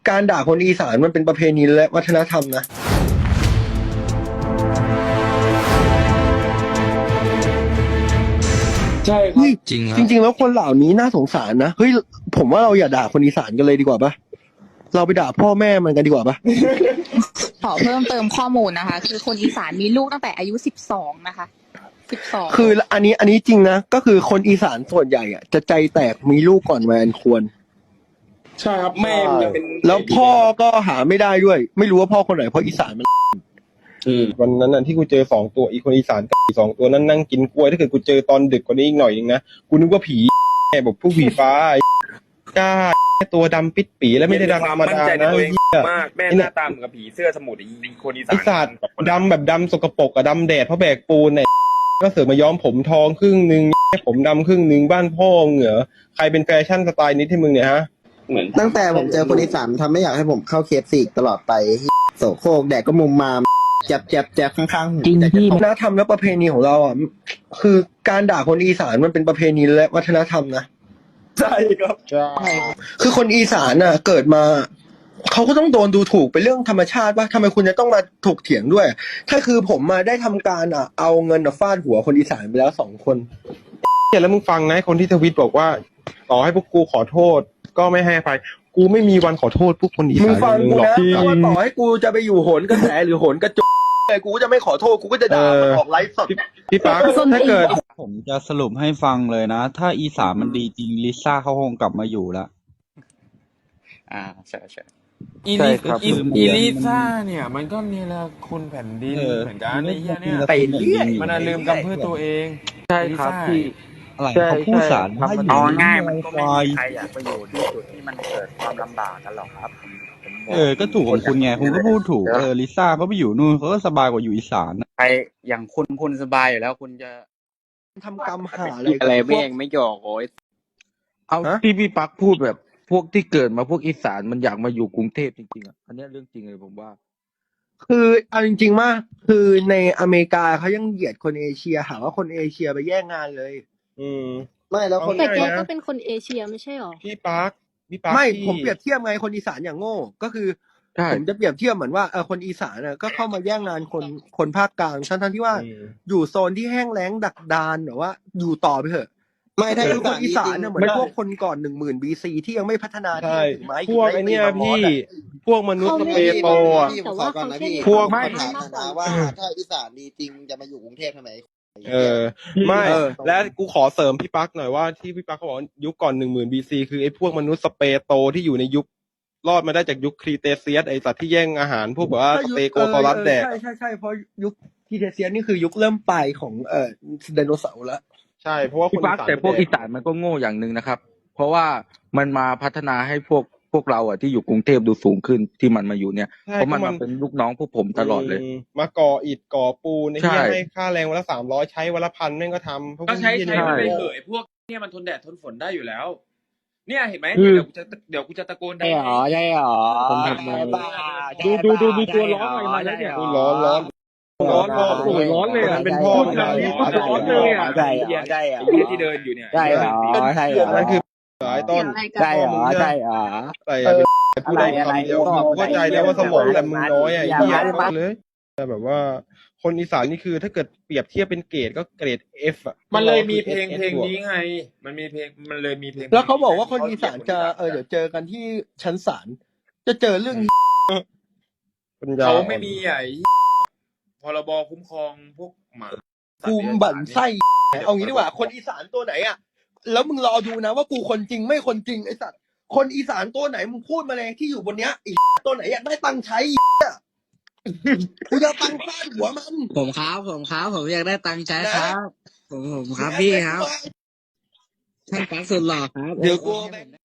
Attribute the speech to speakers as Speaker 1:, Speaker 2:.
Speaker 1: การด่าคนอีสานมันเป็นประเพณีและวัฒนธรรมนะ
Speaker 2: ใช่ครับ
Speaker 1: จริงจริงๆแล้วคนเหล่านี้น่าสงสารนะเฮ้ยผมว่าเราอย่าด่าคนอีสานกันเลยดีกว่าปะเราไปด่าพ่อแม่มันกันดีกว่าปะ
Speaker 3: ขอเพิ่มเติมข้อมูลนะคะ คือคนอีสานมีลูกตั้งแต่อายุ12นะคะ12
Speaker 1: คืออันนี้จริงนะก็คือคนอีสานส่วนใหญ่อ่ะจะใจแตกมีลูกก่อนวัยอันควร
Speaker 2: ใช่ครับแม่มันจะเป็น
Speaker 1: แล้วพ่อก็หาไม่ได้ด้วย ไม่รู้ว่าพ่อคนไหนเพราะอีสานมัน
Speaker 4: วันนั้นน่ะที่กูเจอ2 ตัวอีคนอีสานกับอี2 ตัวนั้นนั่งกินกล้วยถ้าเกิดกูเจอตอนดึกกว่านี้อีกหน่อยนึงนะกูนึกว่าผีแม่บอกพวกผีฟ้ากล้าตัวดำปิดปีแล้วไม่ได้ดำธรรมดานะ
Speaker 2: มากแม่หน้าตาเหมือนกับผีเสื้อสมุทรอีคนอีสาน
Speaker 4: ไอ้สัตว์ดำแบบดำสกปรกอะดำแดดเพราะแบกปูนเนี่ยก็เสือกมาย้อมผมทองครึ่งนึงผมดำครึ่งนึงบ้านพ่อเหงื่อใครเป็นแฟชั่นสไตล์นี้ที่มึงเนี่ยฮะ
Speaker 5: เหมือนตั้งแต่ผมเจอคนอีสานทำไม่อยากให้ผมเข้าเคฟซีตลอดไปโสโครกแดกก็มุมมามแจบข้างๆ
Speaker 1: จริงที่วัฒนธรรมและประเพณีของเราอ่ะคือการด่าคนอีสานมันเป็นประเพณีและวัฒนธรรมนะ
Speaker 2: ใช่ครับ
Speaker 4: ใช่
Speaker 1: คือคนอีสานน่ะเกิดมาเขาก็ต้องโดนดูถูกเป็นเรื่องธรรมชาติว่าทำไมคุณจะต้องมาถกเถียงด้วยถ้าคือผมมาได้ทำการเอาเงินฟาดหัวคนอีสานไปแล้ว2 คน
Speaker 4: เนี่ยแล้วมึงฟังนะคนที่ทวิตบอกว่าต่อให้พวกกูขอโทษก็ไม่ให้อภัยกูไม่มีวันขอโทษพวกคนอีสาน
Speaker 1: มึงฟังกู
Speaker 4: หรอก
Speaker 1: นะว่าต่อให้กูจะไปอยู่โหนกระแสหรือโหนกระจกกูก็จะไม่ขอโทษกูก็จะด่ามันออกไลฟ์สด
Speaker 4: พี่ปั๊กถ้าเกิด
Speaker 6: ผมจะสรุปให้ฟังเลยนะถ้าอีสานมันดีจริงลิซ่าเขาคงกลับมาอยู่แล้ว
Speaker 2: ใช่อีลิซ่าเนี่ยมันก็เนี่ยแหละคุณแผ่นดินเหมือนกันไอ้เหี้ยเนี่ย
Speaker 6: ไปเรื่อย
Speaker 2: มันลืมกำพืชตัวเอง
Speaker 6: ใช่ครับพี่อะไรเขาพูดสาร
Speaker 7: เอาง่ายมันก็ไม่มีใครอยากไปอยู่ที่จุดที่มันเกิดความลำบากกันหรอกครับ
Speaker 6: ก็ถูกของคุณไงคุณก็พูดถูกลิซ่าเขาไปอยู่นู่นเขาก็สบายกว่าอยู่อีสาน
Speaker 7: ใครอย่างคุณสบายอยู่แล้วคุณจะ
Speaker 1: ทำกรรมหา
Speaker 7: อะไรแม่งไม่หยอกโอ้ย
Speaker 8: เอาที่พี่ปักพูดแบบพวกที่เกิดมาพวกอีสานมันอยากมาอยู่กรุงเทพจริงๆอ่ะอันนี้เรื่องจริงเลยผมว่า
Speaker 1: คือเอาจริงๆมากคือในอเมริกาเขายังเหยียดคนเอเชียหาว่าคนเอเชียไปแย่งงานเลย
Speaker 5: ไม่แล้วคน
Speaker 9: แต่แกก็เป็นคนเอเชียไม่ใช่หรอ
Speaker 4: พี่ปั๊ก
Speaker 1: ไม่ผมเปรียบเทียบไงคนอีสานอย่างโง่ก็คือผมจะเปรียบเทียบเหมือนว่าคนอีสานก็เข้ามาแย่งงานคนภาคกลางทั้งที่ว่าอยู่โซนที่แห้งแล้งดักดานหรือว่าอยู่ต่อไปเถอะ
Speaker 5: ไม่ถ้า
Speaker 1: คนอีสานเหมือนพวกคนก่อน10,000 BC ที่ยังไม่พัฒนาที่ถึงไม้
Speaker 4: พวกไอ้นี่พี่พวกมนุษย์สเปโต
Speaker 5: ผมขอก่อนนะพี่
Speaker 4: พวก
Speaker 5: ไม่ถามนะว่าถ้าอีสานดีจริงจะมาอยู่กรุงเทพทำไม
Speaker 4: ไม่และกูขอเสริมพี่ปั๊กหน่อยว่าที่พี่ปั๊กเขาบอกยุคก่อน10,000 BC คือไอ้พวกมนุษย์สเปโตที่อยู่ในยุครอดมาได้จากยุคครีเทเซียสไอสัตว์ที่แย่งอาหารพวกแบบว่าสเตโกซอรัสแดก
Speaker 1: ใช่เพราะยุคครีเทเซียสนี่คือยุคเริ่มปลายของไดโนเสาร์แล้ว
Speaker 4: ใช่เพราะว่า
Speaker 8: พี่ปักแต่พวกอีสานมันก็โง่อย่างหนึ่งนะครับเพราะว่ามันมาพัฒนาให้พวกเราที่อยู่กรุงเทพดูสูงขึ้นที่มันมาอยู่เนี่ยเพราะมันมาเป็นลูกน้องพวกผมตลอดเลย
Speaker 4: มาก่ออิฐก่อปูนให้ค่าแรงวันละ300ใช้วันละ1,000แม่งก็ทำ
Speaker 2: ก็ใช้มันไปเหยพวกเนี่ยมันทนแดดทนฝนได้อยู่แล้วเนี่ยเห็นไหมเดี๋ยวกูจะตะโกนได้
Speaker 7: ใช่หรอ
Speaker 2: ดูตัวร้อนอะไรมาแล้วเนี่ย
Speaker 4: ร้อนร้อน
Speaker 2: เลยอ่ะเป็นพ่อร้อนเลยอ่ะ
Speaker 7: ใช่
Speaker 2: ที่เดินอยู่เนี่ย
Speaker 7: ใช่หรอ
Speaker 4: นั่นคือไอ้ต้น
Speaker 7: ใช่หรอ
Speaker 4: แต่พูดได้คำเดียวเข้าใจแล้วว่าสมองแต่มึงน้อยเหี้ยเลยแต่แบบว่าคนอีสานนี่คือถ้าเกิดเปรียบเทียบเป็นเกรดก็เกรด F
Speaker 2: มันเลยมีเพลงนี้ไงมันเลยมีเพลง
Speaker 1: แล้วเขาบอกว่าคนอีสานจะเดี๋ยวเจอกันที่ชั้นศาลจะเจอเรื่อง
Speaker 2: เขาไม่มีพรบคุ้มครองพวกหมา
Speaker 1: กูบั่นไส้เอางี้ดีกว่าคนอีสานตัวไหนแล้วมึงรอดูนะว่ากูคนจริงไม่คนจริงไอ้สัตว์คนอีสานตัวไหนมึงพูดมาเลยที่อยู่บนเนี้ยตัวไหนอยากได้ตังค์ใช้กูจะตังค์ฟาดหัวมัน
Speaker 7: ผมอยากได้ตังค์ใช้ครับผมครับพี่ครับท่านปักสุดหล่อครับ
Speaker 1: เดี๋ยวกู